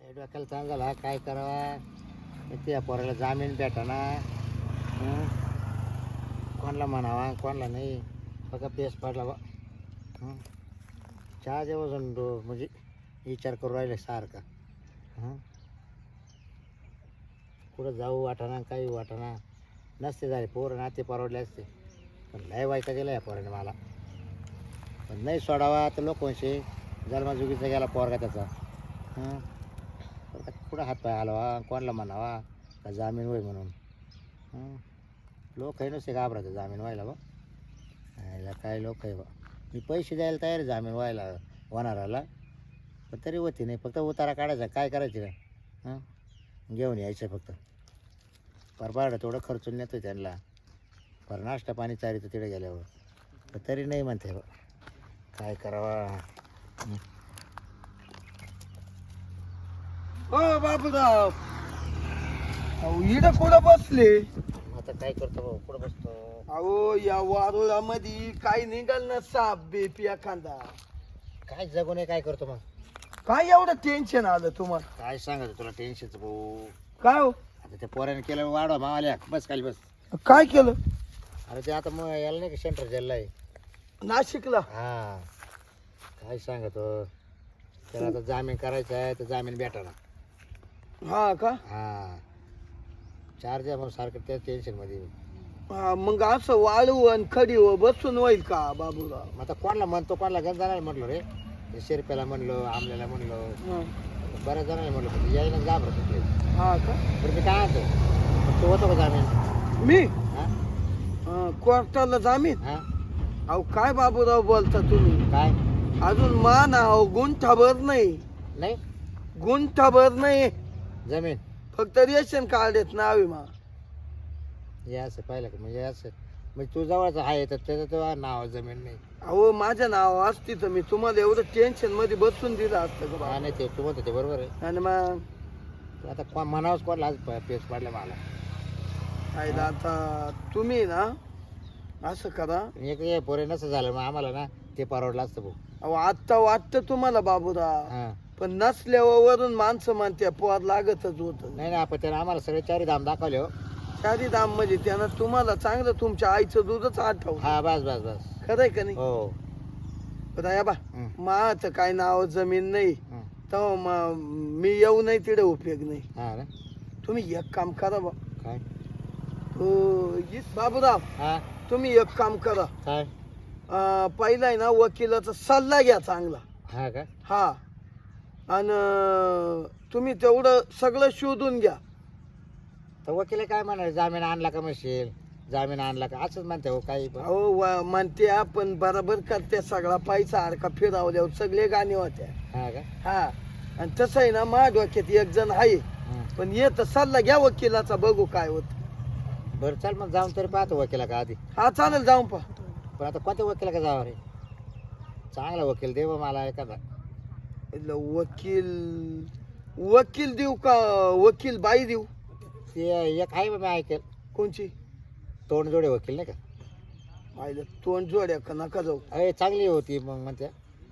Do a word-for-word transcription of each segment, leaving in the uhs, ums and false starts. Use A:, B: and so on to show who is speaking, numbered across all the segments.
A: डोक्याला ताण झाला काय करावा. त्या पोराला जामीन भेटाना. हं? कोणाला म्हणावा कोणाला नाही. फक्त पेस पडला बा. हं? चहा जेव्हा म्हणजे विचार करू राहिले सारखा. हं? कुठं जाऊ वाटाना काही वाटाना. नसते झाले पोरं नाते परवडले असते. पण लय वाईटा गेला या पोराने मला. पण नाही सोडावा तर लोक म्हणशे जन्मजुगीचा गेला पोरगा त्याचा. हं? आता कुठं हातपाय हलवा कोणाला म्हणावा का जामीन होय म्हणून. हं? लोक आहे नसते घाबरायचं जामीन व्हायला बा. यायला काय लोक आहे बा. मी पैसे द्यायला तयार आहे जामीन व्हायला होणाराला. पण तरी होती नाही. फक्त उतारा काढायचा काय करायचं काय. हां घेऊन यायचं फक्त. परबाड थोडं खर्चून नेतो त्यांना. पर नाश्ता पाणी चारितं तिकडे गेल्यावर. पण तरी नाही म्हणते बा. काय करावा.
B: हो बाबूराव, अहो इकडं कुठं बसले?
A: आता काय करतो भाऊ कुठं बसतो.
B: अहो या वारुळामध्ये काय निघाल ना साप बेप एखादा.
A: काय जगू नये काय करतो मग.
B: काय एवढं टेन्शन आलं तुम्हाला?
A: काय सांगायचं तुला टेन्शनचं भाऊ.
B: काय हो
A: आता त्या पोराने केलं वाढवा मावाल्या बस खाली बस.
B: काय केलं?
A: अरे ते आता मग याला नाही का सेंटर जेलला आहे.
B: नाशिकला?
A: हा काय सांगतो त्याला आता जामीन करायचा आहे तर जामीन भेटाना.
B: हा का?
A: हा चार द्या मग सारखं त्या टेन्शनमध्ये.
B: हा मग असं वाळू आणि खडी व बसून होईल का बाबूराव?
A: मग आता कोणाला म्हणतो कोणाला गण जाणार म्हटलो रे. ते शिरप्याला म्हणलो आमल्याला म्हणलो
B: हा.
A: बऱ्याच जणांना म्हणलो पण यायला घाबरत होते.
B: हा का?
A: बरं मी काय म्हणतो तू होतो का जामीन.
B: मी
A: हा
B: हा, कोर्टाला जामीन?
A: हा
B: अहो काय बाबूराव बोलता तुम्ही?
A: काय
B: अजून मान अहो गुंठाभर नाही.
A: नाही
B: गुंठाभर नाही.
A: जमीन
B: फक्त रेशन कार्ड आहेत नावे मा.
A: हे असं पाहिलं का म्हणजे असं म्हणजे तू जवळचं आहे तर त्याचं तेव्हा नाव जमीन नाही.
B: अहो माझ्या नाव असती तर मी तुम्हाला एवढं टेन्शन मध्ये बसून दिलं असतं का
A: हा
B: बा?
A: नाही ते तू म्हणतो ते बरोबर आहे.
B: आणि मग
A: तू आता कोण म्हणावंच कोणाला आज प- पेच पाडलं मला.
B: आईला आता तुम्ही ना असं करा.
A: एक हे पोरे नसं झालं मग आम्हाला ना ते परवडलं असतं भाऊ.
B: अहो आत्ता वाटतं तुम्हाला बाबूराव,
A: हा
B: पण नसल्यावरून माणसं म्हणते पोर लागतच होत.
A: नाही नाही आपण त्यानं आम्हाला सगळे चारी धाम दाखवले हो.
B: चारी दाम म्हणजे त्यानं तुम्हाला चांगलं तुमच्या आईचं दूधच आठवलं.
A: हा बस बस बस
B: खरंय का नाही?
A: हो.
B: बरं बा
A: हं,
B: माझं काय नाव जमीन नाही
A: हं.
B: तेव्हा मग मी येऊ नाही तिथे उपयोग नाही.
A: हा ना
B: तुम्ही एक काम करा बा.
A: काय
B: हो इस बाबूराव,
A: हा
B: तुम्ही एक काम करा.
A: काय
B: अं, पहिला आहे ना वकिलाचा सल्ला घ्या चांगला.
A: हा का
B: हा आणि तुम्ही तेवढं सगळं शोधून घ्या.
A: तर वकील काय म्हणाले जामीन आणला का म्हणशील जामीन आणला का असंच म्हणते हो काही पण.
B: अहो व- म्हणते आपण बरोबर करते सगळा पैसा अडका फिरावल्यावर सगळे गाणे होत्या.
A: हा का
B: हा आणि तसं आहे ना माझ्या डोक्यात एक जण आहे,
A: हं.
B: पण येत सल्ला घ्या वकिलाचा बघू काय होत.
A: बरं चल मग जाऊन तरी पाहतो वकिला का आधी.
B: हा चालेल जाऊन पहा.
A: पण आता कोणत्या वकिला का जावं रे. चांगला वकील दे बा मला एखादा.
B: इथलं वकील वकील देऊ का वकील बाई देऊ?
A: ते एक आहे बा मी ऐकेल
B: कोणची?
A: तोंडजोडे वकील नाही का.
B: पाहिलं तोंड जोड्या का नका जाऊ.
A: अरे चांगली होती मग म्हणते.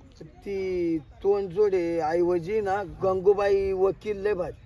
B: ती तोंड जोडे ऐवजी ना गंगूबाई वकील लय भारी.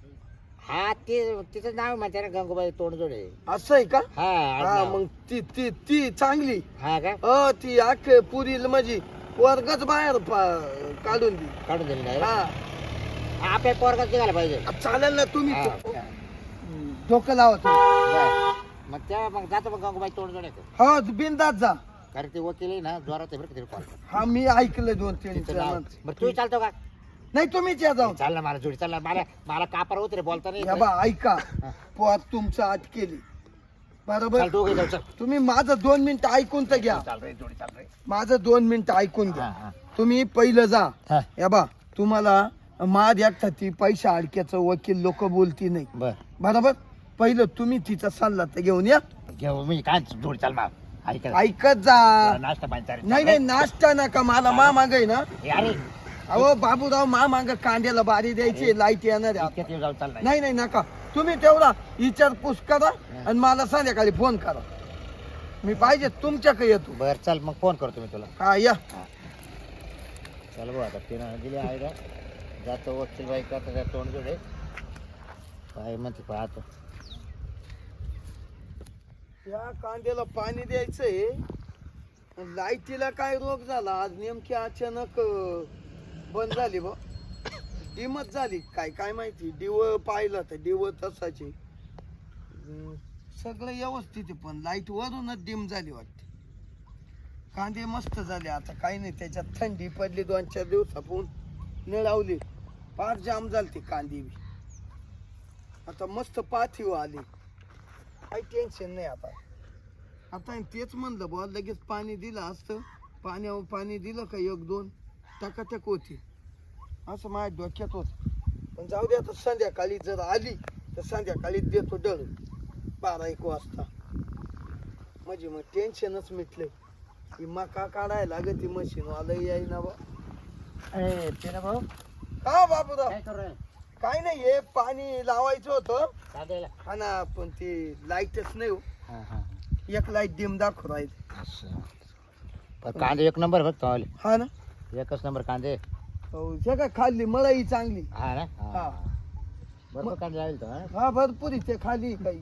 A: हा ते तिचं नाव म्हणते ना गंगूबाई तोंडजोडे.
B: असं आहे का?
A: हा
B: हा
A: आडनाव.
B: मग ती ती ती चांगली.
A: हा का
B: अ ती आख पुरी म्हणजे वर्गच बाहेर पा- काढून दी.
A: काढून दिली नाही
B: हा
A: आपल्या पोरगाच निघायला पाहिजे.
B: चालेल ना तुम्ही
A: हा.
B: हम्म, डोकं लावा तुम्ही.
A: बरं. मग त्या मग जातो मग गंगूबाई तोंडजोडे.
B: हो बिंदात जा.
A: कारण ते वकील आहे ना जोरात आहे बरं का ते कॉल.
B: हा मी ऐकलं दोन तीन
A: तिचं नाव.
B: जणांचं.
A: बरं तू चालतो का.
B: नाही तुम्हीच या जाऊन.
A: चाल ना मला जोडी चाल ना मला मला कापार होत रे बोलता नाही
B: या
A: येत.
B: बा ऐका
A: हा.
B: पोर तुमचं आत केली
A: चाल
B: बरोबर.
A: दोघे जाऊ चल.
B: तुम्ही माझं दोन मिनिटं ऐकून तर घ्या.
A: चाल रे जोडी चाल रे.
B: माझं दोन मिनिटं ऐकून
A: हा,
B: घ्या.
A: हा.
B: तुम्ही पहिलं जा.
A: हा.
B: या बा तुम्हाला माद एकटा ती पैसा अडक्याचं वकील लोक बोलती नाही
A: बर
B: बरोबर. पहिलं तुम्ही तिचा सल्ला तर घेऊन या.
A: घेऊ मी काय जोडी चाल मा ऐक
B: ऐकत जा.
A: नाश्ता पाणी चाल रे.
B: नाही नाही नाश्ता नका मला मा मागाय ना.
A: ए, अरे
B: अहो बाबूराव मा माग कांद्याला बारी द्यायची लाईट येणार आहे आता.
A: इतक्यात येऊ जाऊ चाल नाही.
B: नाही नाही नका. तुम्ही तेवढा विचारपूस करा आणि मला संध्याकाळी फोन करा. मी पाहिजे तुमच्याकडे येतो.
A: बर चल मग फोन करतो मी तुला.
B: हा या.
A: चल भाऊ आता तिनं दिली आयडिया जातो वकील बाई का त्या तोंड जोडे काय म्हणते पाहतो.
B: या कांद्याला पाणी द्यायचंय. लाईटीला काय रोग झाला आज नेमकी अचानक अं, बंद झाली बा. डिमच झाली काय काय माहिती. दिव पाहिलं तर दिव तसाचे अं, सगळं व्यवस्थित आहे पण लाईट वरूनच डिम झाली वाटते. कांदे मस्त झाले आता काही नाही. त्याच्यात थंडी पडली दोन चार दिवसापून निळावली फार जाम झाली ती कांदी बी. आता मस्त पाथीव आली काही टेन्शन नाही आता. आता तेच म्हणलं बुवा लगेच पाणी दिलं असतं. पाण्यावर पाणी दिलं का एक दोन टकाटक होती असं माझ्या डोक्यात होत. पण जाऊ दे आता संध्याकाळी जर आली तर संध्याकाळी देतो डळ बारा एक वाजता. म्हणजे मग टेन्शनच मिटलंय. ही मका काढायला लागत ती मशीन वाला येईना बा.
A: अरे तेरा भाऊ
B: हा बाबूराव
A: काय करू राहिला?
B: काय नाही हे पाणी लावायचं होतं
A: कांद्याला
B: हा ना पण ते लाईटच नाही हो.
A: हा हा
B: एक लाईट डिम दाखवू राहील.
A: असं पण कांदे एक नंबर फक्त आले.
B: हा ना
A: एकच नंबर कांदे.
B: हो जगा खाल्ली मलाही चांगली.
A: हा ना
B: हा
A: बरोबर कांदे लागेल तर
B: हा भरपूर इथे खाली काही.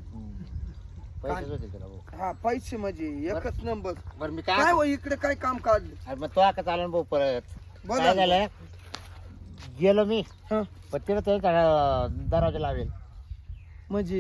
A: पैसेच होते त्याला भाऊ.
B: हा पैसे म्हणजे एकच नंबर.
A: बरं मी
B: काय
A: काय
B: हो इकडे काय काम काढलं
A: अरे मग तो आता चालून भाऊ परत
B: बोला
A: काय
B: ना.
A: झालं गेलो मी
B: हा
A: पण तिला त्याचा दरवाजा लावेल.
B: म्हणजे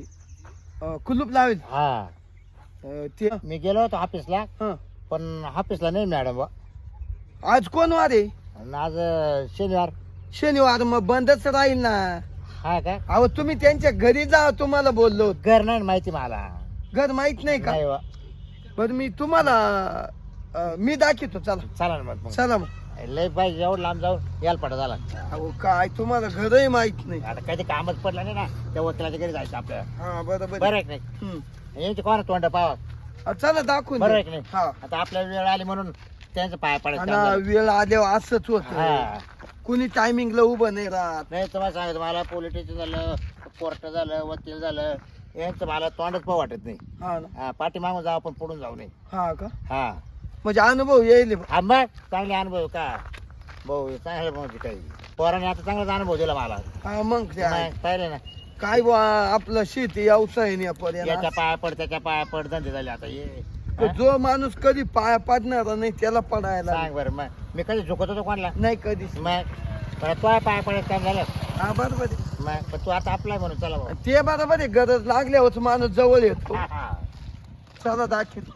B: अं, कुलूप लावेल.
A: हा
B: अं, ते
A: मी गेलो होतो ऑफिसला
B: हा
A: पण ऑफिसला नाही मॅडम बा.
B: आज कोण वार आहे?
A: आणि आज शनिवार.
B: शनिवार मग बंदच राहील ना.
A: हा का
B: अहो तुम्ही त्यांच्या घरी जा तुम्हाला बोललो होतो.
A: घर नाही माहिती मला.
B: घर माहित नाही का?
A: नाही बा.
B: बरं मी तुम्हाला अं, मी दाखवतो चला.
A: चला ना मग मग.
B: चला मग.
A: लय पाहिजे एवढं लांब जाऊन यायला पडा झाला.
B: अहो काय तुम्हाला घरही माहित नाही.
A: आता कधी कामच पडलं नाही ना त्या वकिलाच्या घरी जायचं आपल्याला.
B: हा बरोबर
A: बरं आहे की नाही
B: हम्म.
A: यांची कोणा तोंड पावा.
B: अं, चला दाखवून
A: बरं
B: द्या.
A: आहे की नाही
B: हा
A: आता आपल्याला वेळ आली म्हणून त्यांचं पाया पडायचं काम
B: आणि
A: झालं.
B: वेळ आल्यावर असंच होत.
A: हा
B: कुणी टायमिंगला उभं नाही राहत.
A: नाही तुम्हाला सांगतो मला पोलीस स्टेशन झालं कोर्ट झालं वकील झालं यांचं मला तोंडच पाहू वाटत नाही.
B: हा ना
A: हा पाठीमागून जाऊ पण पुढून जाऊ नये.
B: हा का
A: हा
B: म्हणजे अनुभव येईल.
A: हा मग चांगले अनुभव का भाऊ चांगले भाऊ काही पोराने आता चांगलाच अनुभव दिला मला.
B: हा मग ते आहे.
A: मग पाहिले ना
B: काय बुवा आपलं शेती व्यवसाय नाही पर्यंत.
A: याच्या पाया पड त्याच्या पाया पड धंदे झाले आता ये
B: जो माणूस कधी पाया पडणार नाही त्याला पडायला
A: सांग बरं मग मी कधी झुकत होतो कोणाला
B: नाही कधीच.
A: मग पण तो पाया पडायचं काम झालं
B: हा बरोबर आहे.
A: मग पण तू आता आपलाय म्हणून चला भाऊ.
B: ते बरोबर आहे. गरज लागल्यावर माणूस जवळ येतो.
A: हा, हा.
B: चला दाखव.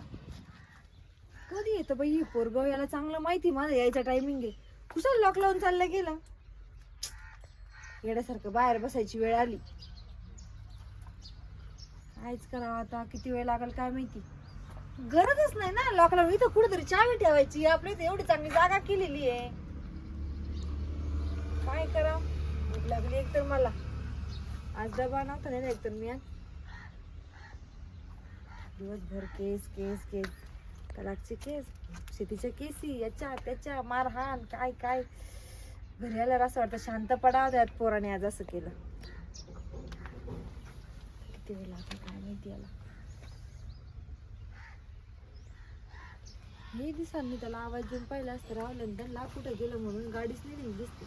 C: कधी येतं बाई हे पोरगाव याला चांगलं माहिती माझं यायचा टायमिंग आहे. कुठं लॉक लावून चाललं गेलं येण्यासारखं बाहेर बसायची वेळ आली. कायच करावं आता किती वेळ लागेल काय माहिती. गरजच नाही ना लॉक लावून. इथं कुठेतरी चावी ठेवायची. आपल्या इथे एवढी चांगली जागा केलेली आहे. काय करा भूक लागली एक तर मला. आज डबा नव्हता नाही एक तर मी आज दिवसभर केस केस केस तलाकचे केस शेतीच्या केसी याच्या त्याच्या मारहाण काय काय. घरी आल्यावर असं वाटतं शांत पडावं त्यात पोराने आज असं केलं. किती वेळ लागला काय माहिती याला. हे दिसांनी त्याला आवाज देऊन पाहिला असतं रावलं त्यांना कुठं गेलं म्हणून गाडीच नाही निघली दिसते.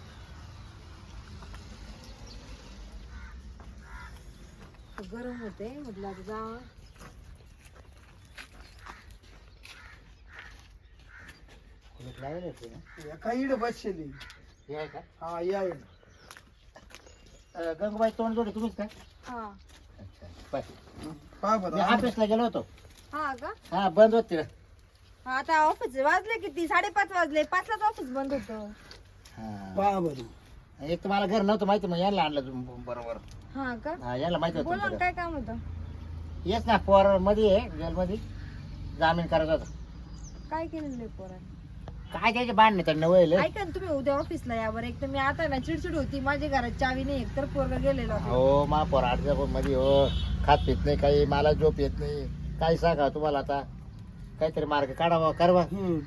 C: गरम होते म्हटलं आता जा.
B: काही इकडे बसलेली.
A: हे आहे का
B: हा या या.
A: अं, गंगूबाई तोंड जोडे तुम्हीच का
C: हा
A: अच्छा पाय.
B: पहा
A: मी
B: बरं
A: ऑफिसला गेलो होतो.
C: हा का
A: हा बंद होते
C: हा आता ऑफिस वाजले किती साडेपाच वाजले. पाचलाच ऑफिस बंद होतं.
A: हा
B: पहा बरं.
A: एक तर मला घर नव्हतं माहिती मग यायला आणलं तुम्ही बरोबर.
C: हा का
A: हा यायला माहिती होतं
C: बोला ना
A: तुमचं
C: काय काम होतं.
A: घर. येस ना पोर मध्ये आहे जेलमध्ये जामीन करायचा होता.
C: काय केलेलं आहे पोराने.
A: काय त्याचे बांधणे त्यांना वयल
C: ऐका ना तुम्ही उद्या ऑफिसला यावर. एक तर मी आता ना चिडचिड होती. माझ्या घरात चावी नाही एक तर पोरगा गेलेला होता.
A: हो मा पोर आठ मध्ये हो खात पित नाही काही मला झोप येत नाही काही सांगा तुम्हाला आता काहीतरी मार्ग काढावा करवा.
B: हम्म.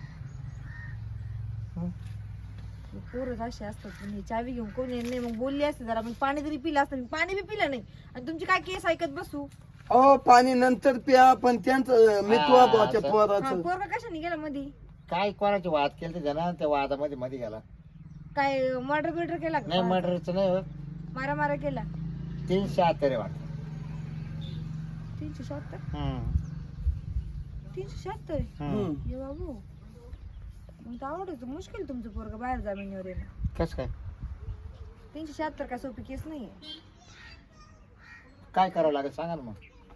C: पोरच असे असतात. पण हे चावी घेऊन कोण येत नाही. मग बोलली असते जरा मी पाणी तरी पिलं असतं. मी पाणी बी पिलं नाही आणि तुमची काय केस ऐकत बसू.
B: अहो पाणी नंतर प्या पण त्यांचं मितवा
A: हा,
B: बुवा त्या
A: असं.
B: पोराचं.
C: पोरगा कशाने गेला मधी.
A: काय कोणाचे वाद केले ते जण त्या वादामध्ये मध्ये गेला
C: काय मर्डर बिर्डर केला
A: नाही
C: का
A: मर्डरचं नाही हो.
C: मारा मारा केला
A: तीनशे अत्तर वाटत.
C: तीनशे शहात्तर
A: हम्म.
C: तीनशे शहात्तर
A: हम्म.
C: ये बाबू मग तर आवडत मुश्किल तुमचं पोरग बाहेर जामिनीवर येणं.
A: कसं काय
C: तीनशे शहात्तर काय सोपी केस नाहीये.
A: काय करावं लागेल सांगा ना मग.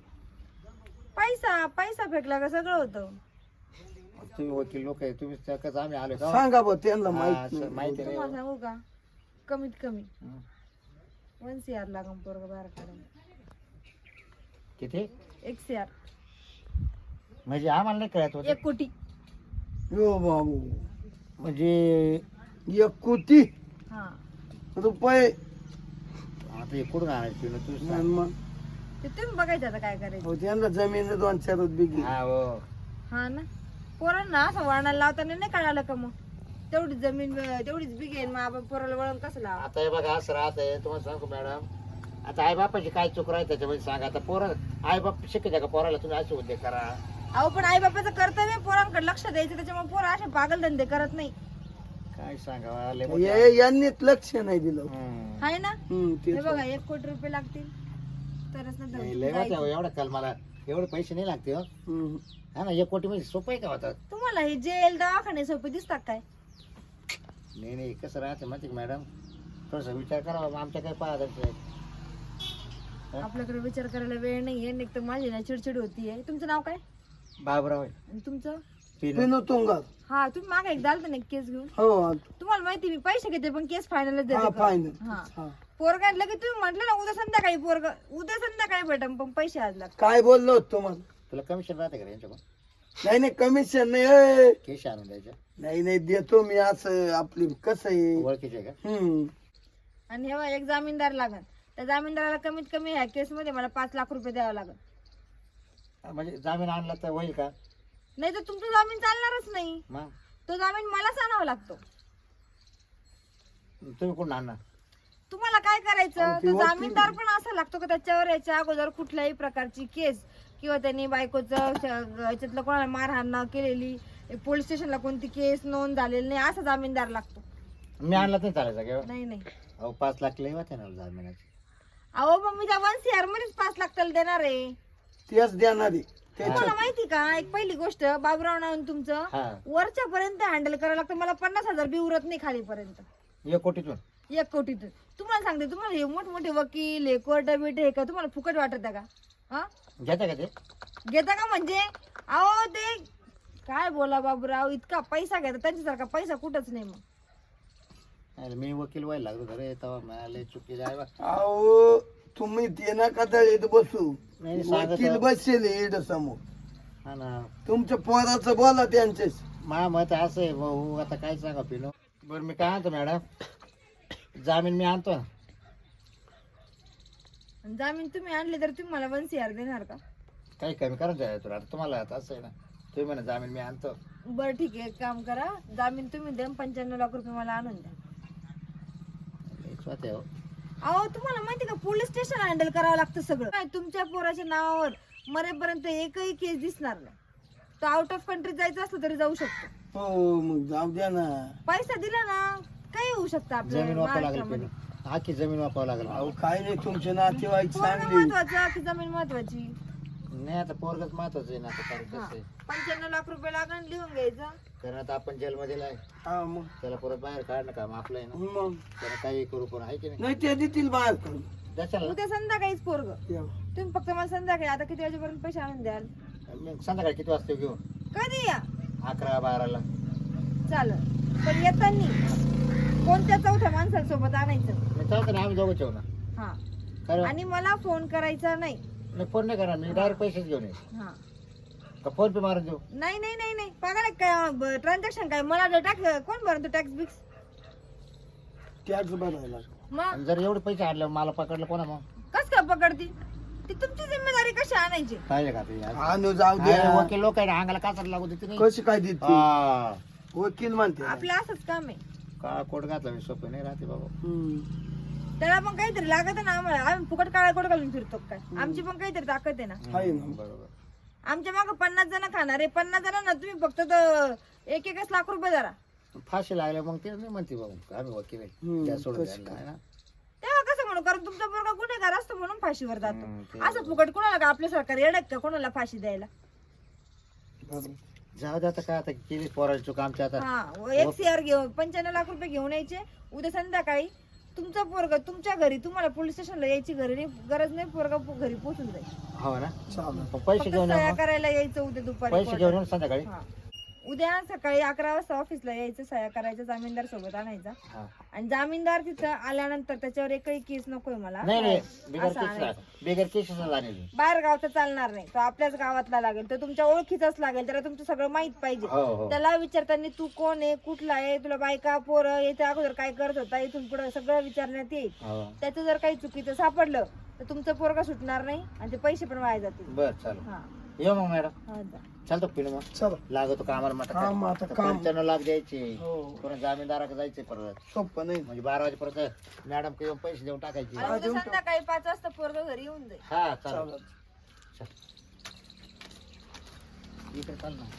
C: पैसा पैसा फेकला का सगळं होतं.
A: तुम्ही वकील लोक आहे तुम्ही त्या- कसं आम्ही आलो का
B: सांगा बा त्यांना
A: हा,
B: माहित
A: असं
B: नाही.
A: माहिती नाही
C: तुम्हाला
A: हो.
C: सांगू का कमीत कमी
A: हं.
C: वन सी आर लागून पोरग बाहेर काढून
A: किती
C: एक सी आर
A: म्हणजे आम्हाला नाही कळत होत.
C: एक कोटी.
B: यो बाबू
A: म्हणजे
B: एक कोटी
C: हा
B: रुपये
A: आता हे कुठून आणायचं पिणं तू
B: आणि
A: सांग.
B: मग
C: ते तुम्ही बघायचं आता काय करायचं.
B: हो, त्यांना जमीन दोन चार बिघी
A: हा हो
C: हा ना पोरांना असं वळणाला लावताना नाही कळालं का मग तेवढीच जमीन तेवढीच बिघेन मग आपण पोराला वळण कसं लावा.
A: आता हे बघा असं राहत आहे तुम्हाला सांगू मॅडम. आता आई बापाची काय चूक राहते त्याच्यामध्ये सांगा. आता पोरं आई बाप शिकायचं का पोराला तुम्ही असे उद्योग करा.
C: अहो पण आई बापाचं कर्तव्य पोरांकडे लक्ष द्यायचं त्याच्यामुळे पोरं असे पागल धंदे करत नाही.
A: काय सांगावं लय मोठं.
B: हे यांनीच लक्ष नाही दिलं.
A: हम्म.
C: आहे ना
B: हम्म,
C: हे
B: तेच.
C: बघा एक कोटी रुपये लागतील तरच ना
A: नाही,
C: धंदे
A: लय मोठं
C: जायचं.
A: आहे. एवढं काल मला एवढे पैसे नाही लागते हो.
B: हम्म.
A: हा ना एक कोटी म्हणजे सोपं आहे का होता.
C: तुम्हाला हे जेल दवाखाने सोपे दिसतात काय.
A: नाही नाही कसं राहते माहिती का मॅडम थोडासा विचार करावा मग आमच्या काय पाहत
C: आपल्याकडे विचार करायला वेळ नाहीये एक तर माझी ना चिडचिड होतीये. तुमचं नाव काय
A: बाबराव आहे.
C: आणि तुमचं.
A: पिनू.
B: पिनू तुंगार.
C: हा तुम्ही मागे एकदा आलता ना केस घेऊन.
B: हो
C: तुम्हाला माहिती मी पैसे घेते पण केस फायनलच
B: हा
C: देते का?
B: फायनल
C: हा
B: हा.
C: पोरगा आणलं की तुम्ही म्हटलं ना उद्या संध्याकाळी पोरग उद्या संध्याकाळी भेटम पण पैसे आज लागतात.
B: काय बोललो होतो तुम्हाला.
A: तुला कमिशन राहते का यांच्याकडून
B: नाही नाही कमिशन नाही ए.
A: केश आणून द्यायच्या
B: नाही नाही देतो मी असं आपली कसं आहे.
A: ओळखीचे आहे का.
B: हम्म.
C: आणि हे बघा, एक जामीनदार लागल त्या जामीनदाराला कमीत कमी ह्या केस मध्ये मला पाच लाख रुपये द्यावं लागल.
A: म्हणजे जामीन आणला तर होईल का.
C: नाही तर तुमचं जामीन चालणारच नाही.
A: मग
C: तो जामीन मलाच आणावा लागतो.
A: तुम्ही कोण आणणार.
C: तुम्हाला काय करायचं
B: अहो, ते
C: तो
B: वकील-
C: जामीनदार पण असा लागतो का त्याच्यावर याच्या अगोदर कुठल्याही प्रकारची केस किंवा त्यांनी बायकोचं श- याच्यातलं कोणाला मारहाण न केलेली पोलीस स्टेशनला कोणती केस नोंद झालेली नाही असा जामीनदार लागतो.
A: मी आणला नाही चालायचा का.
C: नाही नाही
A: अहो पाच लाख लई होते ना जामिनाचे.
C: अहो मग मी त्या वन सीआर मध्येच पाच लाख त्याला देणार आहे.
B: तेच देणारी
C: तुम्हाला माहिती का एक पहिली गोष्ट बाबूराव नावून तुमचं
A: हा
C: वरच्या पर्यंत हँडल करावं लागतं. मला पन्नास हजार बी उरत नाही खालीपर्यंत
A: एक कोटीतून.
C: एक कोटीतून. तुम्हाला सांगते तुम्हाला हे मोठमोठे वकील हे कोर्ट बिट हे का तुम्हाला फुकट वाटत का. हा
A: घेता का ते.
C: घेता का म्हणजे अहो ते काय बोला बाबूराव इतका पैसा घेता त्यांच्यासारखा पैसा कुठंच नाही. मग
A: अरे मी वकील व्हायला लागलो खरे तेव्हा मला लय चुकी आहे बा.
B: अहो तुम्ही ते नका दळीत बसू.
A: नाही, सांगत
B: वकील
A: आहे.
B: बसले इड समोर.
A: हा ना
B: तुमच्या पोराचं बोला त्यांच्याशी.
A: मा मत असं आहे भाऊ आता काय सांगा पिनो. बरं मी काय आणतो मॅडम जामीन मी आणतो.
C: आणि जामीन तुम्ही आणले तर तुम्ही मला वन सीआर देणार का.
A: काही कमी करून द्या तुला आता तुम्हाला आता असं आहे ना तुम्ही म्हणा जामीन मी आणतो.
C: बरं ठीक आहे एक काम करा जामीन तुम्ही द्या पंच्याण्णव लाख रुपये मला आणून द्या.
A: लई स्वतः आहे हो.
C: अहो तुम्हाला माहिती का पोलीस स्टेशन हँडल करावं लागतं सगळं. काय तुमच्या पोराच्या नावावर मरेपर्यंत एकही केस दिसणार नाही. तो आउट ऑफ कंट्री जायचं असलं तरी जाऊ शकतो.
B: हो मग जाऊ द्या ना.
C: पैसा दिला ना काही होऊ शकतं आपल्या
A: जमीन वापरावं लागेल
C: महाराष्ट्रामध्ये.
A: पिनो. आखी जमीन वापरावं लागेल.
B: अहो काय नाही तुमचे नातेवाईक
C: पोरगं
B: चांगली.
C: महत्वाचं की जमीन महत्वाची.
A: नाही आता पोरगच महत्वाचं आहे ना आता कारण कसं आहे.
C: पंच्याण्णव लाख रुपये लागण लिहून घ्यायचं.
A: कारण आता आपण जेलमध्ये आहे
B: हा मग
A: त्याला परत बाहेर काढणं काम आपलं आहे ना.
B: मग
A: त्याला काही करू पण आहे की नाही.
B: नाही ते देतील बाहेर करून.
A: द्याल
C: उद्या संध्याकाळीच पोरग
B: या.
C: तुम्ही फक्त मला संध्याकाळी आता किती वाजेपर्यंत पैसे आणून द्याल.
A: मग संध्याकाळी किती वाजता घेऊन.
C: कधी या
A: अकरा बाराला.
C: चालेल पण येताना कोणत्या चौथ्या माणसासोबत आणायचं.
A: मी चालतं ना आम्ही दोघं ठेवू ना.
C: हा
A: कारण
C: आणि मला फोन करायचा नाही.
A: मी फोन नाही करणार मी डायरेक्ट पैसेच घेऊन येईन.
C: हा
A: का फोन पे मारून देऊ.
C: नाही नाही नाही नाही पागाला काय ट्रान्झॅक्शन काय मला टॅक्स कोण भरतो टॅक्स बिक्स.
B: त्याच भरायला.
C: मग
A: आणि जर एवढे पैसे आणले मला पकडलं कोणा मग
C: कस काय पकडती ती तुमची जिम्मेदारी कशी आणायची.
A: पाहिजे का ते आज?
B: आणू जाऊ
A: अरे
B: द्या.
A: वकील लोक आहे ना, अंगाला काचार लागू देते नाही.
B: कशी काय देते
A: हा.
B: वकील म्हणते.
C: आपलं असंच काम आहे.
A: का कोट घातला मी सोपं नाही राहते बाबा.
B: हम्म.
C: त्याला पण काहीतरी लागत आहे ना आम्हाला. आम्ही फुकट काळा कोट घालून फिरतो काय. आमची पण काहीतरी ताकद आहे ना.
B: आहे ना.
A: बरोबर.
C: आमच्या मागे पन्नास जण खाणार आहे. पन्नास जणांना तुम्ही फक्त तो एक एकच लाख रुपये धरा.
A: फाशी लागल्या मग ते नाही म्हणते बाबा आम्ही वकील आहे
B: हम्म,
A: त्या सोडून
B: कसं
A: द्यायला, है ना?
C: तेव्हा कसं म्हणू कारण तुमचा पोरगा गुन्हेगार असतो म्हणून फाशीवर जातो.
A: हम्म, ते
C: असं फुकट कोणाला का आपल्या सरकार येडक का कोणाला फाशी द्यायला.
B: बरोबर.
A: जाऊ दे आता काय आता केली पोराची चूक आमच्या आता.
C: हा एक सीआर घेऊन पंच्याण्णव लाख रुपये घेऊन यायचे. उद्या संध्याकाळी तुमचा पोरगा तुमच्या घरी तुम्हाला पोलीस स्टेशनला यायची घरी नाही गरज नाही. पोरगा पो- घरी पोहोचून जाईल.
A: हो ना
B: चालेल.
A: मग पैसे
C: फक्त
A: घेऊन या
C: सह्या
A: मग.
C: करायला यायचं उद्या दुपारी
A: पैसे घेऊन
C: कोर्टात.
A: येऊन संध्याकाळी.
C: हा. उद्या सकाळी अकरा वाजता ऑफिसला यायचं सह्या करायचं जामीनदार सोबत आणायचा
A: हा.
C: आणि जामीनदार तिथं आल्यानंतर त्याच्यावर एकही केस नकोय मला.
A: नाही नाही बिगर
C: असं
A: केस
C: आणायचं.
A: बिगर केसेस झालेली.
C: बाहेर गावचा चालणार नाही. तो आपल्याच गावातला लागेल. तो तुमच्या ओळखीचाच लागेल. त्याला तुमचं सगळं माहित पाहिजे.
A: हो हो
C: त्याला विचारताना तू कोण आहे कुठला आहे तुला बायका पोरं याच्या अगोदर काय करत होता इथून पुढे सगळं विचारण्यात येईल.
A: हो.
C: त्याचं जर काही चुकीचं सापडलं तर तुमचं पोरगा सुटणार नाही आणि ते पैसे पण वाया जातील.
A: बर चालेल
C: हा
A: येऊ मग मॅडम.
C: हा जा.
A: चालतो पिढ मग
B: चला.
A: लागतो कामाला मग
B: हा, मग आता काम.
A: पंच्याण्णव लाख द्यायचे
B: हो.
A: पुन्हा जामीनदाराकडे जायचे परत
B: सोपं नाही.
A: म्हणजे बारा वाजेपर्यंत मॅडम येऊन पैसे देऊन टाकायचे.
C: आणि उद्या संध्याकाळी पाच वाजता पोरगा घरी येऊन जाईल.
A: हा चालेल
B: चालेल.
A: इकडे चाल ना.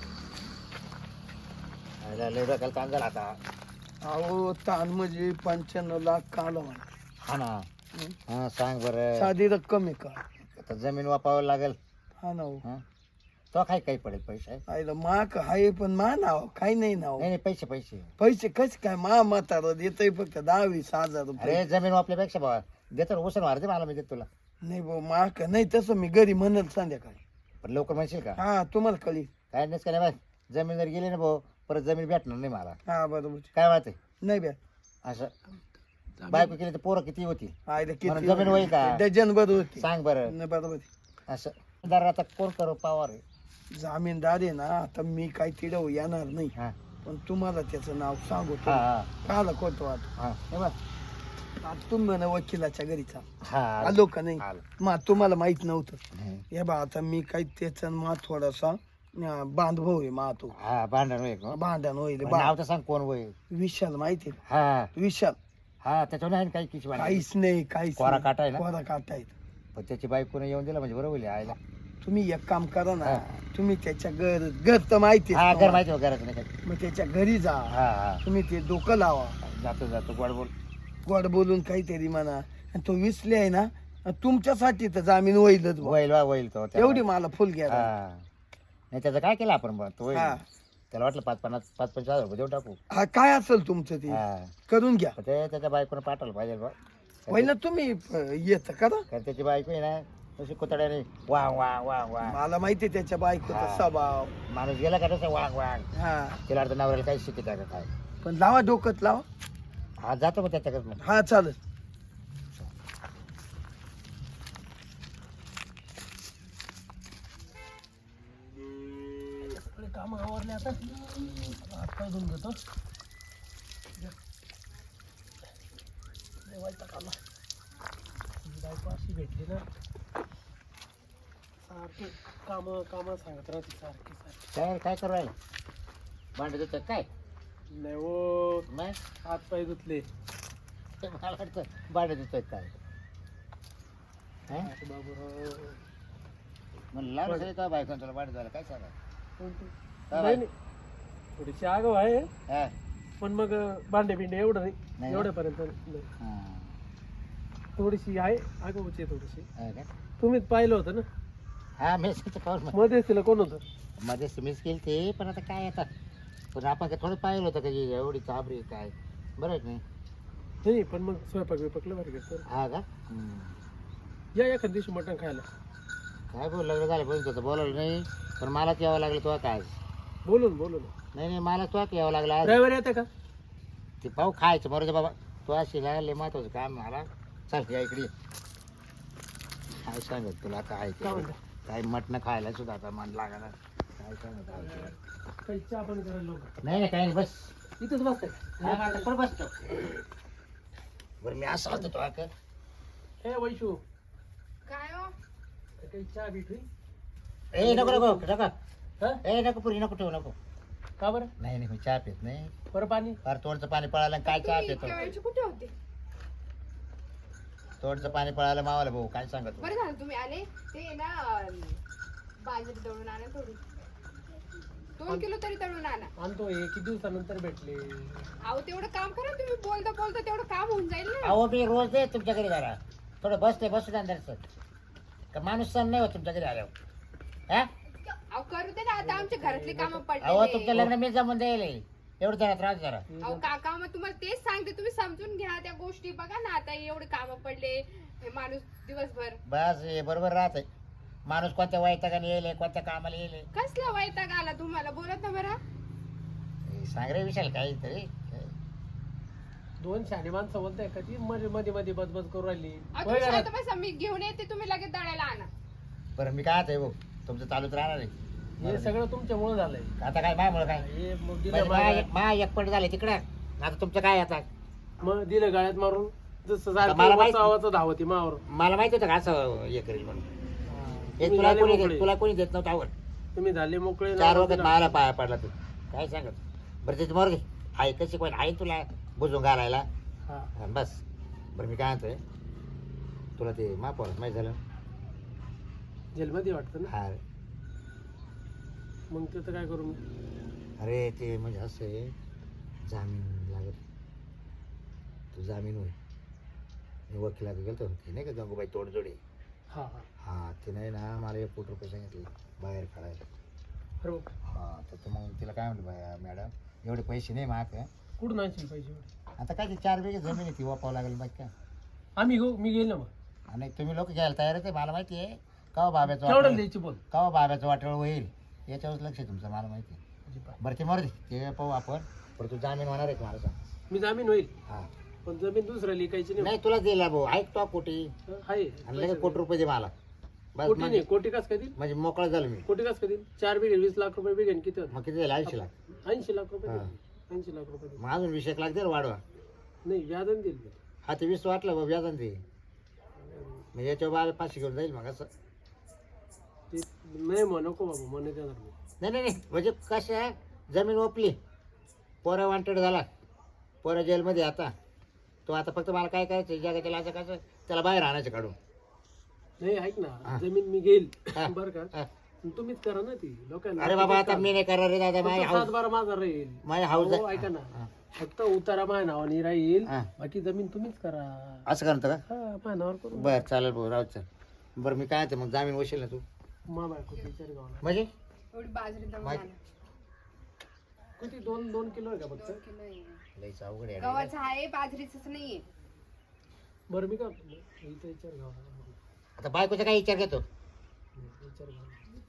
A: अरे, लय डोक्याला ताण झाला आता.
B: अहो ताण म्हणजे पंच्याण्णव लाख काल म्हणा.
A: हा ना हा सांग बरं
B: साधी रक्कम आहे का?
A: आता जमीन वापावं लागेल.
B: हा ना हो.
A: हा तो काय काही पडेल पैसे नाही
B: आईला माक आहे पण मा नाव काही नाही नाव.
A: नाही पैसे पैसे
B: पैसे कसे काय मा म्हातारा देतय फक्त दहा वीस हजार रुपये.
A: अरे जमीन वापल्यापेक्षा बाबा देतो ना उसण मारते मला मी देतो तुला.
B: नाही भाऊ माक नाही तसं मी घरी म्हणल संध्याकाळी.
A: पण लवकर म्हणशील का
B: हा तुम्हाला कळी.
A: काय नाही का नाही बा जमीन जर गेली ना भाऊ परत जमीन भेटणार नाही मला.
B: हा बरोबर.
A: काय वाटत
B: नाही बॅ
A: असं बायको केली तर पोरं किती होती
B: आईला
A: म्हणून जमीन होईल का?
B: डझन बरोबर होती.
A: सांग बरं
B: नाही बरोबर.
A: असं दर आता कोण करू पावर आहे.
B: जामीनदार आहे ना आता मी काही तिडव येणार नाही
A: हा
B: पण तुम्हाला त्याचं नाव सांगू
A: हा हा
B: काला कोणतो आता
A: हा
B: हे बघ, आता तुम्ही म्हणा वकिलाच्या घरी चाल
A: हा
B: आलो का नाही
A: आलो.
B: मा तुम्हाला माहित नव्हतं.
A: हम्म.
B: हे बा आता मी काही त्याचा मा थोडासा अं, बांधभाऊ आहे मा तो
A: हा भांडण होईल का?
B: भांडण होईल
A: पण
B: बा-
A: नाव तर सांग कोण होईल.
B: विशाल माहिती आहे का?
A: हा
B: विशाल
A: हा त्याच्यावर नाही ना काही किती भांडण.
B: काहीच नाही काहीच
A: कोरा
B: नाही.
A: काटा आहे ना
B: कोरा काटा आहे.
A: पण त्याची बायकोने येऊन दिला म्हणजे बरोबर आहे आयला.
B: तुम्ही एक काम करा ना
A: हा.
B: तुम्ही त्याच्या घर घर तर माहिती
A: हा घर माहिती घरात नाही काही.
B: मग त्याच्या घरी जा
A: हा हा
B: तुम्ही ते डोकं लावा
A: जातो जातो गोड बोल.
B: गोड बोलून काहीतरी म्हणा आणि तो विसले आहे ना तुमच्यासाठी तर जामीन होईलच बुवा.
A: होईल वा होईल तो त्याला.
B: एवढी मला फुल घ्या
A: हा नाही त्याचं काय केलं आपण बा तो होईल.
B: हा.
A: त्याला वाटलं पाच पन्नास पाच पंचवीस हजार रुपये देऊन टाकू.
B: हा काय असेल तुमचं ते
A: हा
B: करून घ्या.
A: पण ते त्याच्या बायकोने पाठवलं पाहिजे बा.
B: पहिलं तुम्ही येत करा.
A: कारण त्याची बायको आहे ना तशी कुतड्याने वांग वांग वांग वांग
B: मला माहिती आहे त्याच्या बायकोचा
A: हा.
B: स्वभाव.
A: माणूस गेला का तसं वांग वांग
B: हा
A: तिला अर्थ नवऱ्याला काही शिकत आहे का काय.
B: पण लावा डोकत लावा.
A: हा जातो मग त्याच्याकडे मग.
B: हा चालेल. काम आवरले आता हात पाय धुवून घेतो. बायको अशी भेटली ना सारखे काम काम सांगत राहते सारखे सारखे.
A: काय काय करू राहिला भांडे देतो काय
B: नाही हो
A: नाही
B: हात पाय धुतले.
A: मला वाटतं भांडे देतोय काय. हा?
B: बाबूराव
A: म्हणलं लावलं तरी का बायकोने तुला भांडे झालं काय सांगा. काय
B: नाही
A: बाई?
B: नाही थोडीशी आगाव आहे
A: हा
B: पण मग भांडे बिंडे एवढं नाही
A: नाही.
B: एवढ्यापर्यंत नाही.
A: हा.
B: थोडीशी आहे आगाऊची आहे थोडीशी.
A: हा का?
B: तुम्हीच पाहिलं होतं ना
A: हा मेस पाहून
B: मध्येच तिला कोण होतं.
A: मध्ये मिस केली ते पण आता काय आता पण आपण काय थोडं पाहिलं होतं का ही एवढी चाबरी काय बरं आहे की नाही.
B: नाही पण मग स्वयंपाक बिपाकला भारी घेतो.
A: हा का हम्म.
B: या एखाद दिवशी मटण खायला.
A: काय बोल लग्न झालं पण तुझं बोलवलं नाही पण मलाच यावं लागलं तो काय.
B: बोलून बोलून
A: नाही नाही मला तो यावं लागलं आज.
B: ड्रायव्हर येते का.
A: ते पाहू खायचं बरोबर दे बाबा तो अशी लागले महत्वाचं काम मला. चल या इकडे ये. काय सांगत तुला काय ते.
B: काय म्हणता?
A: काय मटणं खायला सुद्धा आता मन लागणार काय सांगत आहे.
B: काही चहा पण करायला लोक
A: नाही नाही काही नाही बस
B: इथंच बसते.
A: हा, आता पण बसतो बरं मी असं होतो तो का
B: ए वैशू
C: काय हो
B: काही चहा बीठ होईल.
A: ए नको नको नको
B: हा
A: ए नको पुरी नको ठेवू नको.
B: का बरं
A: नाही नाही मी चहा पित नाही.
B: बरं पाणी.
A: फार तोंडचं पाणी पळालं आणि काय चहा पितो.
C: कुठे होते
A: तोंडचं पाणी पळालं मावाला भाऊ काय सांगत
D: बरं झालं तुम्ही आले. ते ना बाजरी दळून आणा थोडी. दोन किलो तरी तळून आणा.
E: आणतो हे किती दिवसानंतर भेटले.
D: अहो तेवढं काम करा तुम्ही, बोलता बोलता तेवढं काम होऊन जाईल ना.
A: अहो मी रोज दे तुमच्या घरी जरा थोडं बसते बसू द्या सर का माणूस सण नाही होत तुमच्या घरी आल्यावर हा
D: अहो करू दे ना, आता आमच्या घरातली कामं
A: अहो तुमचं
D: पडले.
A: लग्न मी जमून द्यायला एवढं जरा त्रास जरा
D: अहो काका मग तुम्हाला तेच सांगते, तुम्ही समजून घ्या त्या गोष्टी. बघा ना आता एवढे कामं पडले, हे माणूस दिवसभर
A: बस हे बरोबर राहत माणूस कोणत्या वैतागाने येईल कोणत्या कामाला येईल
D: कसला वैताग आला तुम्हाला, बोलत ना बरं.
A: हे सांग रे विशाल काहीतरी
E: दोन शाने माणसं बोलताय का ती मध्ये मध्ये मध्ये बदबद करू राहिली.
D: अहो, तुम्ही शांत बसा, मी घेऊन येते, तुम्ही लगेच दळायला आणा.
A: बरं मी काय आहे भाऊ तुमचं चालूच राहणार आहे
E: हे सगळं तुमच्यामुळे झालंय.
A: आता काय मायामुळे काय
E: हे मग
A: म्हणजे
E: दिलं
A: मा
E: माग-
A: मा एकपट झाले तिकडं आता तुमचं काय आता
E: मग दिलं गाळ्यात मारून जसं
A: मला
E: सारखं
A: माहित-
E: आवाज धावती मावर.
A: मला माहिती होतं का असं हे करेल म्हणून हे
E: तुम्ही
A: तुला
E: झाले
A: कोणी
E: मोकळे.
A: तुला कोणी देत नव्हतं आवड
E: तुम्ही झाले मोकळे
A: चार
E: ना.
A: वखत मला पाया पडला तू काय सांगत बरं तिथे मर आहे कशी पण आहे तुला बुजून घालायला
E: हा.
A: हा, बस बरं मी काय म्हणतोय तुला ते माप माहीत झालं
E: जेलमध्ये वाटतं ना.
A: हा
E: मग त्याचं काय करू मी.
A: अरे ते म्हणजे असं आहे जामीन लागत तू जामीन होय मी वकिलात गेलतो ते नाही का गंगूबाई तोडजोडी
E: हा हा
A: हा ते नाही ना मला एक कोटी रुपये सांगितले बाहेर काढायला
E: बरोबर.
A: हा तर ते मग तिला काय म्हणलं बाया मॅडम एवढे पैसे नाही माग
E: कुठून आणशील पाहिजे.
A: आता काय ते चार बिघे जमीन आहे ती वापावं लागेल बाकी काय
E: आम्ही गो मी गेलो मग.
A: आणि तुम्ही लोक घ्यायला तयार आहे मला माहिती आहे कवा बाब्याचं
E: केवढं
A: वाटोळं
E: द्यायची बोल.
A: कवा बाब्याचं वाटोळ होईल याच्यावरच लक्ष आहे तुमचं मला माहिती आहे
E: अजिबात.
A: बरं ते मरू दे ते पाहू आपण पण तू जामीन होणार आहे का मला सांग
E: मी जामीन होईल
A: हा
E: पण जमीन दुसऱ्या लिकायची नाही.
A: नाही तुला दिला भाऊ ऐक तो कोटी
E: आहे
A: आणि लगेच कोटी रुपये दे मला बस
E: कोटी
A: म्हणजे
E: नाही, कोटी कस कधी
A: म्हणजे मोकळा झालो मी
E: कोटी कस कधी चार बिघे वीस लाख रुपये बिघेन किती होतं.
A: मग किती झालं ऐंशी लाख
E: ऐंशी लाख रुपये
A: हा.
E: देईल. ऐंशी लाख रुपये देईल.
A: मग अजून वीस एक लाख दे रे वाढवा
E: नाही व्याजन देईल मी.
A: हा ते वीस वाटलं बाबा व्याजान ते म्हणजे याच्यावर बारा पाचशे घेऊन जाईल मग असं
E: ते नाही मग नको बाबा म्हणे देणार मी.
A: नाही नाही नाही म्हणजे कसं आहे जमीन ओपली पोरा वांटेड झाला पोरा जेलमध्ये आता तो आता फक्त मला काय करायचं जगाच्या लाचा कसं त्याला बाहेर आणायचं काढून
E: नाही ऐक
A: हा.
E: ना जमीन मी घेईल
A: हा.
E: बरं का
A: हा.
E: तुम्हीच करा ना ती लोकांना.
A: अरे बाबा आता मी नाही करणार रे दादा माझ्या
E: फक्त सात
A: हाऊस
E: बारा माझा राहील.
A: माझ्या हाऊस
E: हो, ऐका ना फक्त उतारा माझ्या नावाने राहील
A: हा.
E: बाकी जमीन तुम्हीच करा.
A: असं करतो का
E: हा माझ्या नावावर करू.
A: बरं चालेल भाऊ राहू चल बरं मी काय ते मग जामीन वशील ना तू
E: मा बायको विचार गावाला
A: म्हणजे
D: एवढी बाजरी दळून
A: माहित-
D: आणा.
E: किती दोन दोन किलो आहे का फक्त.
D: दोन किलो आहे.
A: लईच अवघड आहे
D: गव्हाचं आहे, बाजरीच नाहीये.
E: बरं मी का इथं विचार गावाला
A: आता बायकोचा काय विचार घेतो
E: विचार गावाला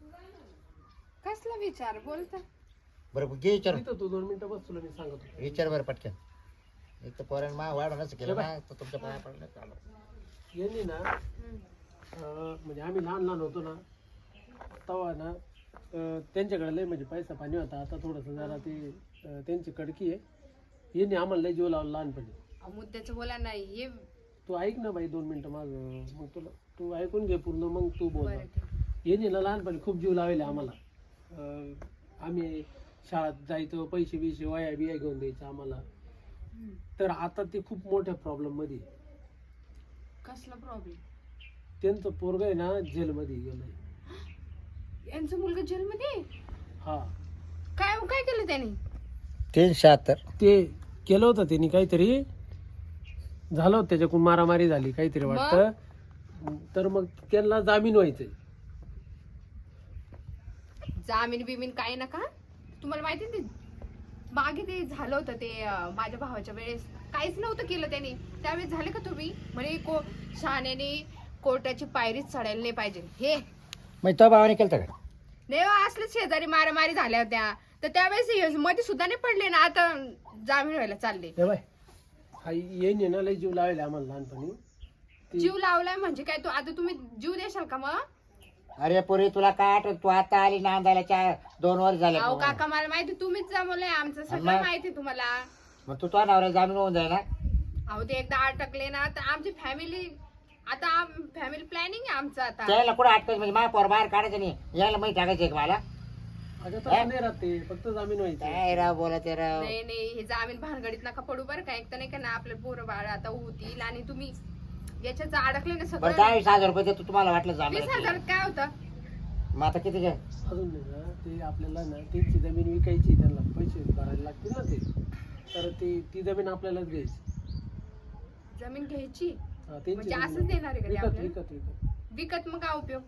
D: कसला विचार बोलता.
A: बरं घे विचार
E: इथं तू दोन मिनिटं बस तुला मी सांगत होतो.
A: विचार बरं पटकन एक तर पोरानं मा वाढ नसं केलं ना तर तुमच्या पाया पडलं चालू
E: यांनी ना
D: हम्म.
E: अं, म्हणजे आम्ही लहान लहान होतो ना तेव्हा ना अं, त्यांच्याकडे लय म्हणजे पैसा पाणी होता. आता थोडंसं जरा ते अं, त्यांची कडकी आहे. यांनी आम्हाला लय जीव लावला लहानपणी.
D: अहो, मुद्द्याचं बोला नाही हे.
E: तू ऐक ना बाई दोन मिनिटं माझं मग तुला तू ऐकून घे पूर्ण मग तू बोल.
D: बरं, ठीक.
E: यांनी ना लहानपणी खूप जीव लावले आम्हाला. अं, आम्ही शाळेत जायचो पैसे बिशे वया बिया घेऊन द्यायचं आम्हाला.
D: हम्म.
E: तर आता ते खूप मोठ्या प्रॉब्लेम मध्ये आहे.
D: कसला प्रॉब्लेम.
E: त्यांचं पोरग आहे ना जेलमध्ये गेलंय.
D: यांचा मुलगा जेलमध्ये.
E: हा
D: काय काय केलं त्याने.
A: तीन शहात्तर
E: ते केलं होतं त्यांनी काहीतरी झालं होतं त्याच्याकडून मारामारी झाली काहीतरी वाटतं. तर मग त्यांना जामीन व्हायचंय.
D: जामीन बिमीन काही नका. तुम्हाला माहिती आहे ते मागे ते झालं होतं ते अं, माझ्या भावाच्या वेळेस काहीच नव्हतं केलं त्याने. त्यावेळेस झाले का तुम्ही म्हणे को शहाण्याने कोर्टाची पायरीच चढायला नाही पाहिजे हे.
A: मग तो भावाने केलं का
D: नाही हो, असले शेजारी मारामारी झाल्या होत्या तर त्यावेळेस हे मध्ये सुद्धा नाही पडले ना. आता जामीन व्हायला चालले.
E: हे बाय हा येईन ना लय जीव लावायला आम्हाला लहानपणी. ती-
D: जीव लावलाय म्हणजे काय. तू आता तुम्ही जीव देशाल का मग.
A: अरे पोरी तुला काय आठवत तू आता आली नांदायला चार दोन वर्ष झाले
D: अहो काका मला माहिती तुम्हीच जमवलंय आमचं सगळं
A: मग?
D: माहिती तुम्हाला.
A: मग तू तो नवऱ्या जामीन होऊन जाय ना
D: अहो ते एकदा अटकले ना तर आमची फॅमिली आता फॅमिली प्लॅनिंग आहे आमचं आता.
A: त्याला कुठं अटकायचं म्हणजे माझ्या पोर बाहेर काढायचं नाही यायला माहिती टाकायचं एक मला
E: अगं तसं नाही राहते फक्त जामीन व्हायचं.
A: काय राव बोलत आहे राव
D: नाही नाही हे जामीन भानगडीत नका पडू बरं का. एक तर नाही का ना आपले पोरं बाळ आता होतील आणि तुम्ही याच्यात अडकले ना
A: बरं
D: सगळं.
A: दहावीस हजार रुपये देतो तुम्हाला वाटलं
D: वीस
A: जामीन
D: हजार काय होतं.
A: मग आता किती घ्या
E: अजून नाही ना ते आपल्याला ना त्यांची जमीन विकायची त्यांना पैसे भरायला लागतील ना ते तर ती ती जमीन आपल्यालाच घ्यायची
D: जमीन घ्यायची
E: हा, त्यांची
D: म्हणजे
E: जमीन.
D: असंच देणार आहे का ते
E: विकत
D: आपल्याला?
E: विकत विकत
D: विकत मग काय उपयोग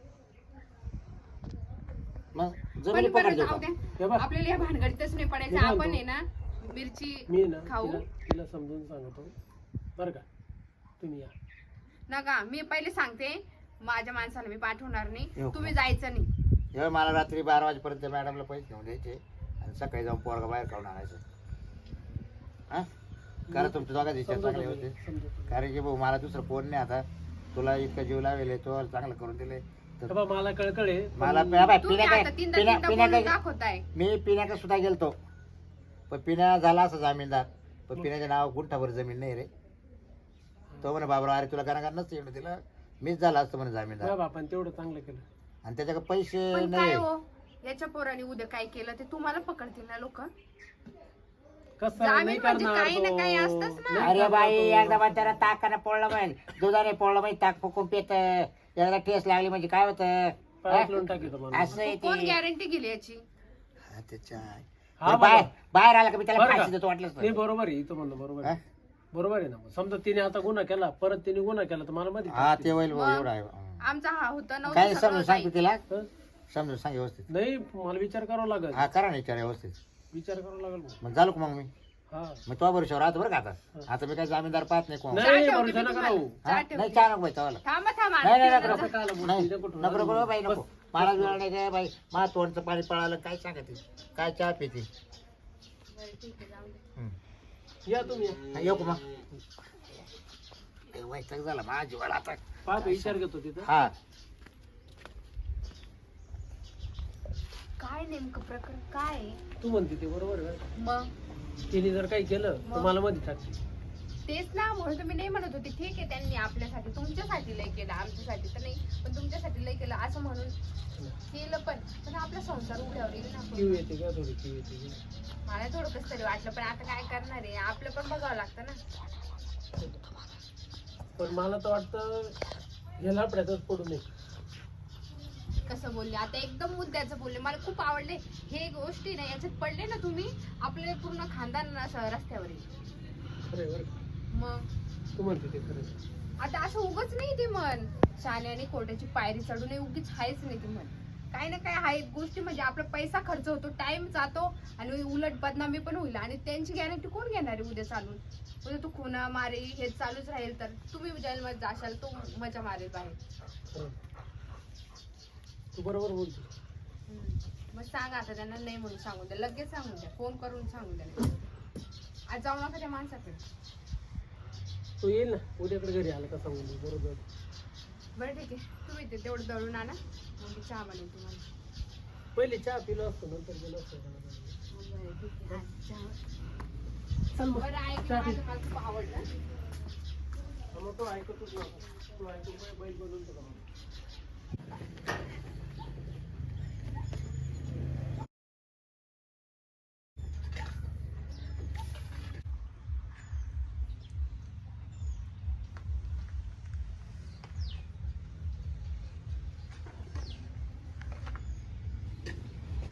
A: मग
D: पण
A: जमिनी
D: बरं
A: पकड देऊ
D: जाऊ
A: का?
D: द्या
E: हे बघ
D: आपल्याला या भानगडीतच नाही पडायचं
E: हे
D: आपण
E: सांगतो.
D: आहे ना मिरची
E: मी ना
D: खाऊ.
E: तिला तिला समजून सांगतो बरं का तुम्ही या
D: नका मी पहिले सांगते माझ्या माणसाला मी पाठवणार नाही
A: येऊ का?
D: तुम्ही जायचं नाही
A: एवढं मला रात्री बारा वाजेपर्यंत मॅडमला पैसे घेऊन द्यायचे आणि सकाळी जाऊन पोरगा बाहेर खाऊन आणायचं हा करा तुमच्या दोघा दिवसात
E: समजवतो
A: चांगले
E: मी,
A: होते
E: समजवतो.
A: कारण की भाऊ मला दुसरं फोन नाही आता तुला इतकं जीव लावेल तो चांगलं करून दिले
E: हे बघ, मला कळकळ आहे पण
A: मला प्या- बाय,
D: तुम्ही
A: पिण्या
D: आता
A: काय
D: तीनदा
A: पिण्या
D: तीनदा
A: पिण्या
D: बोलून
A: काय
D: दाखवताय
A: मी पिण्याकडे सुद्धा गेलतो पण पिण्या झाला असं जामीनदार पण पिण्याच्या नाव गुंठाभर जमीन नाही रे तो म्हणे बाबरा अरे तुला गाणं नसतं एवढं तिला मीच झाला असतं म्हणे जामीनदार
E: माझ्या बापाने तेवढं चांगलं केलं
A: आणि त्याच्याकडे पैसे
D: पण काय
A: नाही
D: हो याच्या पोराने उद्या काय केलं ते तुम्हाला पकडतील ना लोक
E: कसं
D: जामीन
E: नाही
D: म्हणजे
E: करणार
D: काही ना
E: तो.
D: काही असतंच ना.
E: नाही
A: अरे
E: करणार
A: बाई
E: तो.
A: एकदा मग त्याला ताकाने पोळलं पाहिजे दुधाने पोळलं पाहिजे ताक फुकून पेत एकदा टेस्ट लागली म्हणजे काय होतं
E: पायात लावून टाकीतो माणूस.
A: असं आहे
D: कोण
A: ते
D: गॅरंटी गेली याची
A: हा, त्याच्या
E: हा
A: ते बाहेर
E: बाबा.
A: बाहेर आला का मी त्याला
E: बरं का?
A: फाशी देतो वाटलंच
E: नाही
A: नाही.
E: बरोबर आहे इथं म्हणणं बरोबर
A: हा?
E: आहे बरोबर आहे ना समजा तिने आता गुन्हा केला परत तिने गुन्हा केला तर मला मध्ये
A: हा ते होईल भाऊ,
D: मग?
A: एवढं आहे हं.
D: आमचा हा होता नव्हता
A: काय
D: सगळं
A: समजून सांगतो
D: काही.
A: तिला
E: हं?
A: समजून सांग व्यवस्थित
E: नाही मला विचार करावा लागेल
A: हा करा ना विचार व्यवस्थित
E: विचार करावा लागेल भाऊ.
A: मग झालो का मग मी
E: हा
A: मग तो बरोबर राहतो बरं का आता आता मी काय जामीनदार पाहत नाही कोण
E: नाही
D: चहा ठेवते
E: भरोसा
D: मी
E: नका
D: तुम्हाला.
E: राहू
A: हा?
D: चहा
A: नाही
D: ठेवते.
A: चहा नको बाई चावाला
D: थांबा थांबा
A: नाही नाही
D: आणते
A: नको
D: जरा.
A: नको
E: काला बोलते,
A: नाही
E: नको ठेवू.
A: नको नको बाई नको मला वेळ नाही काय बाई मला तोंडचं पाणी पळालं काय सांगते काय चहा पिते
D: बरं, ठीक आहे, जाऊ दे.
A: हं.
E: या तुम्ही या.
A: हा, येऊ का मग ए, वैताग झाला माझ्या जीवाला आता
E: पाहतो विचार घेतो तिथं
A: हा
D: काय नेमकं प्रकरण काय आहे?
E: तू म्हणते ते बरोबर आहे बरं का?
D: मग
E: तिने जर काही केलं तर
D: मग?
E: मला मध्ये टाकते
D: तेच ना म्हणून तुम्ही नाही म्हणत होते ठीक आहे त्यांनी आपल्यासाठी तुमच्यासाठी लय केलं आमच्यासाठी तर नाही पण तुमच्यासाठी लय केलं असं म्हणून केलं पण पण आपला संसार उघड्यावर येईल ना
E: किव
D: आपण.
E: येते का थोडी किव येते का?
D: मला थोडं कसं तरी वाटलं पण आता काय करणार आहे आपलं पण बघावं लागतं ना
E: पण मला तर वाटतं ह्या लापड्यातच पडू नये
D: कसं बोलले आता एकदम मुद्द्याचं बोलले मला खूप आवडले हे गोष्टी ना याच्यात पडले ना तुम्ही आपले पूर्ण खानदान असं रस्त्यावर येईल
E: खरं आहे बरं का?
D: मग
E: तू म्हणते ते खरं आहे.
D: आता असं उगच नाही ती मन शाण्याने कोट्याची पायरी चढू नये उगीच हायच नाही ती मन काही ना काही आहे गोष्टी म्हणजे आपला पैसा खर्च होतो टाइम जातो आणि उलट बदनामी पण होईल आणि त्यांची गॅरंटी कोण घेणार आहे उद्या चालून उद्या तू खुना मारे हे चालूच राहील तर तुम्ही जेलमध्ये जाशाल तो मजा मारेल बाहेर
E: खरं आहे. तू बरोबर बोलतो
D: हम्म. मग सांगा आता त्यांना नाही म्हणून सांगून द्या लगेच सांगून द्या फोन करून सांगून द्या आज जाऊ नका त्या माणसाकडे
E: तो येईल ना उद्याकडे घरी आला का सांगून दे बरोबर
D: बरं ठीक आहे तुम्ही ते तेवढं दळून आणा मग मी चहा बनवून तुम्हाला
E: पहिले चहा पिलो असतो नंतर गेलो असतो
D: बरं ठीक आहे हा, चहा.
E: चल मग
D: बरं ऐक
E: चहा पी.
D: माझं मला खूप आवडलं
E: मग तो ऐकतच नव्हता तू ऐकून बैल बनवून तुला